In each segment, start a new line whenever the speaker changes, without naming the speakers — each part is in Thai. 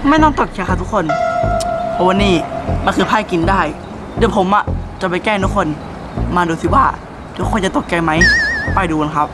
ไม่ต้องตกใจค่ะทุกคนเพราะว่านี่มันคือไพ่กินได้เดี๋ยวผมจะไปแกล้งทุกคนมาดูสิว่าทุกคนจะตกใจไหมไปดูกันครับ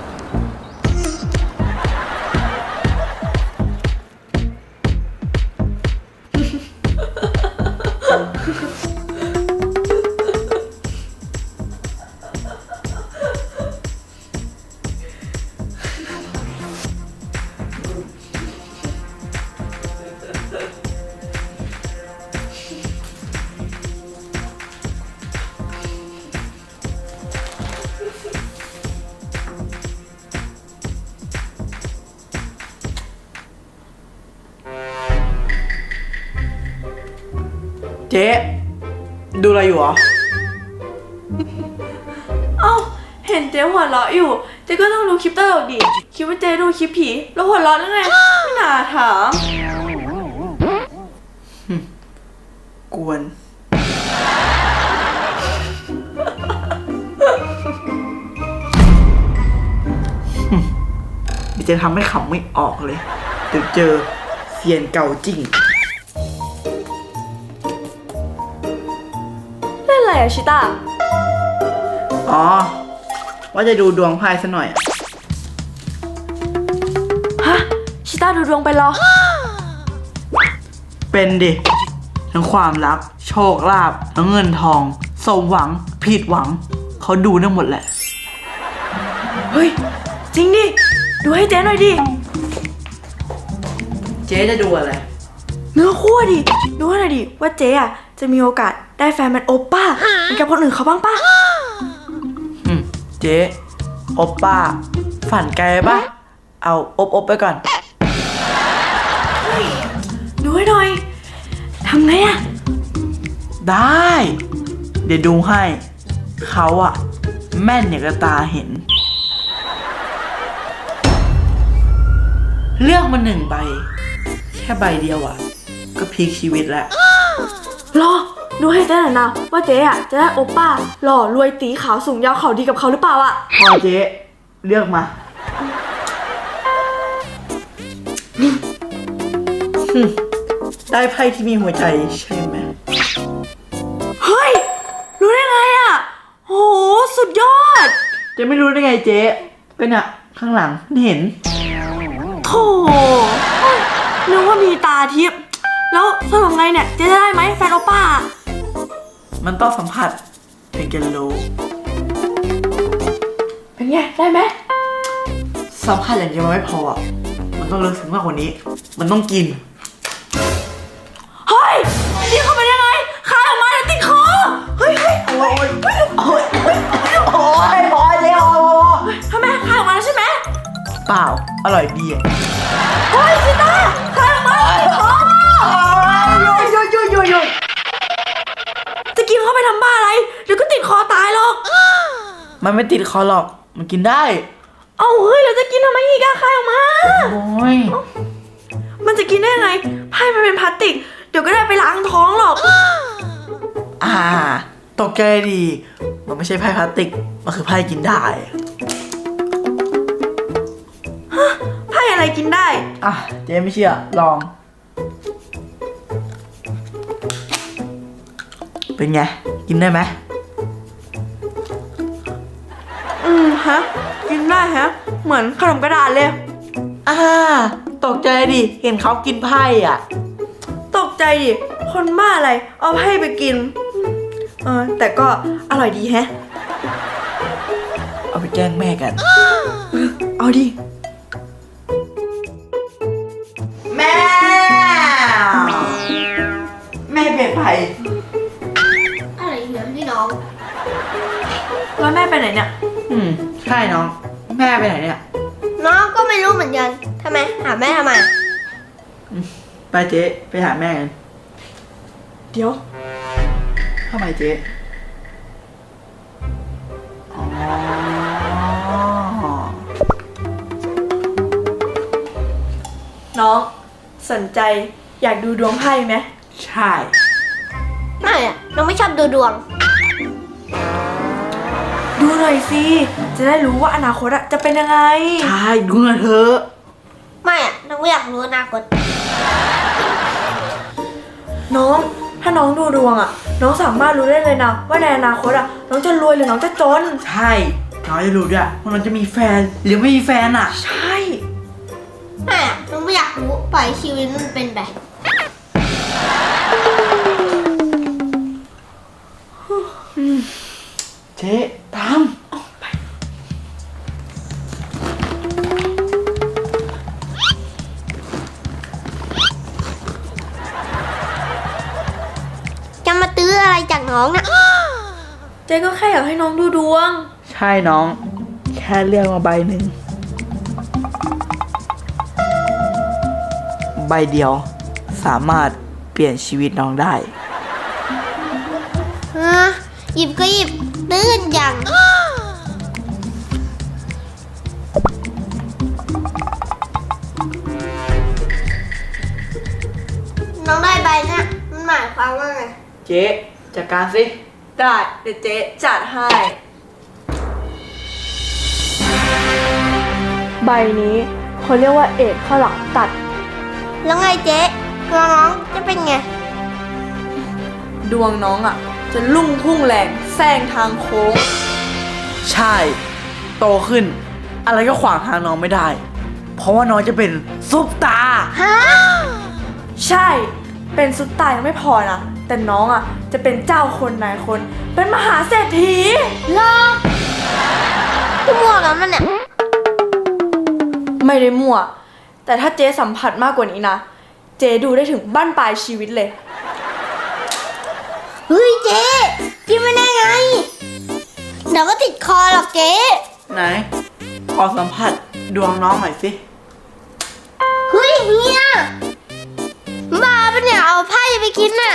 เจ๊ดูอะไรอยู่อ่ะ
เอ้าเห็นเจ๊หัวเราะอยู่เจ๊ก็ต้องดูคลิปตลกดิคิดว่าเจ๊ดูคลิปผีแล้วหัวเราะได้ไงไม่น่าถาม
กวนจะทำให้ขำไม่ออกเลยเดี๋ยวเจอเซียนเก่าจริง
เล่นอะไรอะชิต้า
อ๋อว่าจะดูดวงไพ่ซะหน่อย
ฮะชิต้าดูดวงไปเหรอ
เป็นดิทั้งความรักโชคลาภทั้งเงินทองสมหวังผิดหวังเขาดูได้หมดแหละ
เฮ้ยจริงดิดูให้เจ๊หน่อยดิ
เจ๊จะดูอะไร
เนื้อคู่ดิดูให้หน่อยดิว่าเจ๊อะจะมีโอกาสได้แฟนเป็นโอป้าเหมือนกับคนอื่นเขาบ้างป่ะ
เจ๊โอป้าฝันไกลปะเอาอบไปก่อน
ดูให้หน่อยทำไงอะ
ได้เดี๋ยวดูให้เขาแม่นอย่างกระตาเห็นเลือกมา1 ใบแค่ใบเดียวก็พลิกชีวิตแล้ว
รอดูให้เจ๊หน่อยนะว่าเจ๊จะได้โอป้าหล่อรวยตีขาวสูงยาวเขาดีกับเขาหรือเปล่า
พอเจ๊เลือกมาได้ไพ่ที่มีหัวใจใช่ไหม
เฮ้ยรู้ได้ไงโหสุดยอด
จะไม่รู้ได้ไงเจ๊ก็เนี่ยข้างหลังเห็น
โธ่นึกว่ามีตาทิพย์แล้วสรุปไงเนี่ยเจ๊จะได้ไหมแฟนโอป้า
มันต้องสัมผัสถึงจะรู้
เป็นไงได้ไหม
สัมผัสอย่างเดียวไม่พอมันต้องลึกซึ้งมากกว่านี้มันต้องกิน
เฮ้ยกินเข้าไปยังไงคายออกมาแล้วติดคอเฮ้ย
โอ้ยพอเจ๊
ทำไมคายออกมาแล้วใช่ไหม
เปล่าอร่อยดี
เฮ้ยชิต้าคายออกมาแล้วติดคอหยุดจะกินเข้าไปทำบ้าอะไรเดี๋ยวก็ติดคอตายหรอก
มันไม่ติดคอหรอกมันกินได้
เอาเฮ้ยเราจะกินทำไมอีกคายออกมา
โอ้ย
มันจะกินได้ไงไพ่มันเป็นพลาสติกเดี๋ยวก็ได้ไปล้างท้องหรอก
ตกใจดีมันไม่ใช่ไพ่พลาสติกมันคือไพ่กินได้
ไพ่อะไรกินได้
เจ๊ไม่เชื่อลองเป็นไงกินได้ไหม
ฮะกินได้ฮะเหมือนขนมกระดาษเลย
ตกใจดิเห็นเขากินไพ่
ตกใจดิคนบ้าอะไรเอาไพ่ไปกินแต่ก็อร่อยดีแฮะ
เอาไปแกล้งแม่กัน
เอาดิ
แม่เปลี่ยนไพ่
อะไรเหรอพี่น้อง
แล้วแม่ไปไหนเนี่ย
ใช่น้องแม่ไปไหนเนี่ย
น้องก็ไม่รู้เหมือนกันทำไมหาแม่ทำไม
ไปเจ๊ไปหาแม่กัน
เดี๋ยว
ทำไมเจ๊
น้องสนใจอยากดูดวงไพ่ไหม
ใช่
ไม่น้องไม่ชอบดูดวง
ดูหน่อยสิจะได้รู้ว่าอนาคตจะเป็นยังไง
ใช่ดูหน่อยเถอะ
ไม่น้องไม่อยากรู้อนาคต
น้องถ้าน้องดูดวงอะน้องสามารถรู้ได้เลยนะว่าในอนาคตอะน้องจะรวยหรือน้องจะจน
ใช่น้องจะรู้ด้วยว่าน้องจะมีแฟนหรือไม่มีแฟนอ่ะ
ใช่
แม่หนูไม่อยากรู้ปล่อยชีวิตมันเป็นไป
เจ๊ตาม
จะมาตื้ออะไรจากน้องนะ
เจ๊ก็แค่อยากให้น้องดูดวง
ใช่น้อง แค่เลือกมาใบหนึ่งใบเดียวสามารถเปลี่ยนชีวิตน้องได้
ฮะหยิบก็หยิบตื้นอย่างน้องได้ใบนะมันหมายความว่าไง
เจ๊จัดการสิ
ได้เดี๋ยวเจ๊จัดให้ ใบนี้เขาเรียกว่าเอกข้าวหลามตัด
แล้วไงเจ๊ตัวน้องจะเป็นไง
ดวงน้องอ่ะ จะลุ่งพุ่งแรงแซงทางโค้ง
ใช่ โตขึ้น อะไรก็ขวางทางน้องไม่ได้ เพราะว่าน้องจะเป็นซุปตา
ฮะ
ใช่ เป็นซุปตายังไม่พอนะ แต่น้องอ่ะ จะเป็นเจ้าคนนายคน เป็นมหาเศรษฐี
ลอกพี่มัวกันมันเนี่ย
ไม่ได้มั่ว แต่ถ้าเจ๊สัมผัสมากกว่านี้นะ เจ๊ดูได้ถึงบั้นปลายชีวิตเลย
เฮ้ยเจ๊กินไม่ได้ไง เดี๋ยวก็ติดคอหรอกเจ๊
ไหน ขอสัมผัสดวงน้องหน่อยสิ
เฮ้ยเฮียบ้าปะเนี่ยเอาไพ่ไปกินน่ะ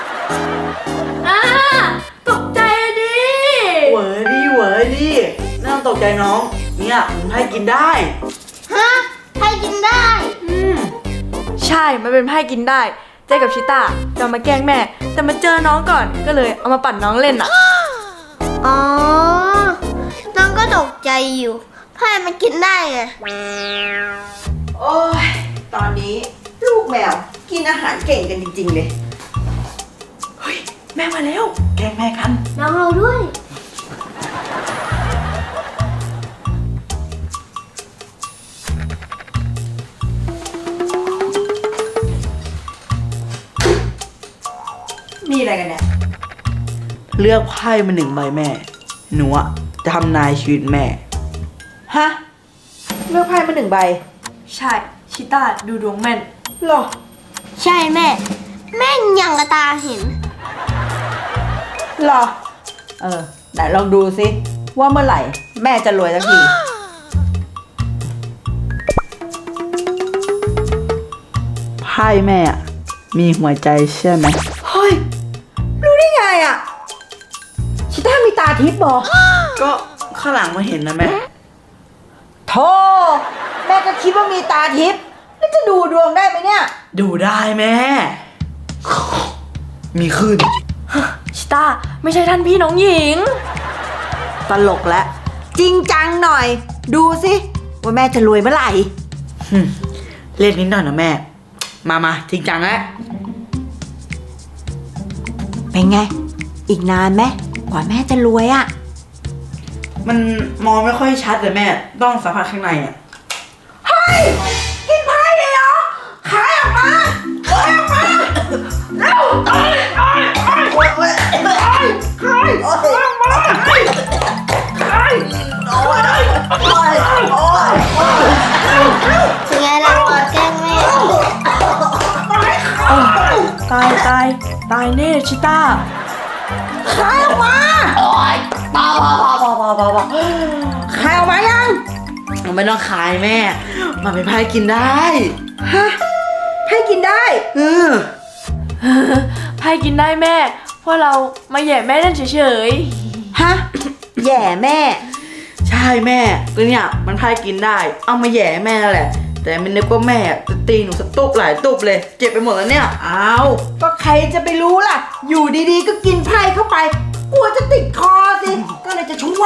ตกใจดิ
เหวอดีเหวอดีน่าตกใจน้อง เนี่ยผมให้กินได้
ฮะไพ่กินได้
ใช่ มันเป็นไพ่กินได้ เจ๊กับชิต้าจะมาแกล้งแม่ แต่มาเจอน้องก่อน ก็เลยเอามาปั่นน้องเล่นอ่ะ
อ๋อ น้องก็ตกใจอยู่ไพ่มันกินได้ไง
โอ้ย ตอนนี้ลูกแมวกินอาหารเก่งกันจริงๆเลย
เฮ้ย แม่มาแล้ว
แกล้งแม่กัน
น้องเราด้วย
มีอะไรกันเนี่ย
เลือกไพ่มาหนึ่งใบแม่ หนูอะจะทำนายชีวิตแม่
ฮะ เลือกไพ่มา1 ใบ
ใช่ ชิต้าดูดวงแม่น
หรอ
ใช่แม่ แม่งยังกระตาเห็น
หรอ ไหนลองดูสิว่าเมื่อไหร่ แม่จะรวยสักที
ไพ่แม่อะมีหัวใจใช่ไหม
เฮ้ย รู้ได้ไงอ่ะ ชิต้ามีตาทิพย์บอก
ก็ข้างหลังมาเห็นนะแม่
โธ่แม่ก็คิดว่ามีตาทิพย์แล้วจะดูดวงได้ไหมเนี่ย
ดูได้แม่ มีขึ้น
ชิต้าไม่ใช่ท่านพี่น้องหญิง
ตลกแล้ว จริงจังหน่อย ดูสิว่าแม่จะรวยเมื่อไหร่
เล่นนิดหน่อยนะแม่ มาจริงจังแล้ว
เป็นไง อีกนานไหมกว่าแม่จะรวยอ่ะ
มันมองไม่ค่อยชัดเลยแม่ ต้องสัมผัสข้างในอ่ะ
กินไพ่เลยเหรอ ขายออกมาขายออกมาเร็วขายออกมา
เป็นไงล่ะตอนแกล้งแม่
ตายแน่ชิต้า
ขายออกมาพอขายออกมายัง
มันไม่ต้องขายแม่ มันเป็นไพ่กินได้
ฮะไพ่กินได้
เออ
ไพ่กินได้แม่ เพราะเรามาแย่แม่เล่นเฉย
ฮะ แย่แม่
ใช่แม่ก็เนี่ยมันไพ่กินได้ เอามาแหย่แม่นั่นแหละ แต่ไม่นึกว่าแม่จะตีหนูสักตุบหลายตุบเลย เจ็บไปหมดแล้วเนี่ย
อ้าว ก็ใครจะไปรู้ล่ะ อยู่ดีๆ ก็กินไพ่เข้าไป กลัวจะติดคอสิ ก็เลยจะช่วย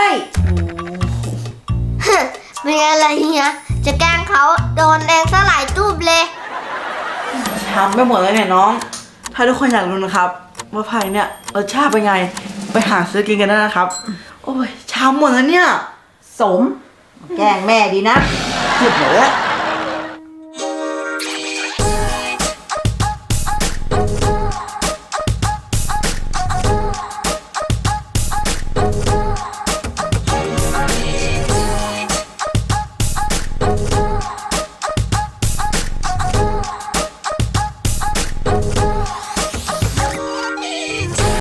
เป็นไงล่ะเฮียจะแกล้งเขาโดนแดงซะหลายตูบเลย
ช้ำไปหมดแล้วเนี่ยน้องถ้าทุกคนอยากรู้นะครับว่าไพ่เนี่ยรสชาติเป็นไง ไปหาซื้อกินกันได้นะครับ โอ้ยชามหมดแล้วเนี่ย
สม แกล้งแม่ดีนะสุดเลย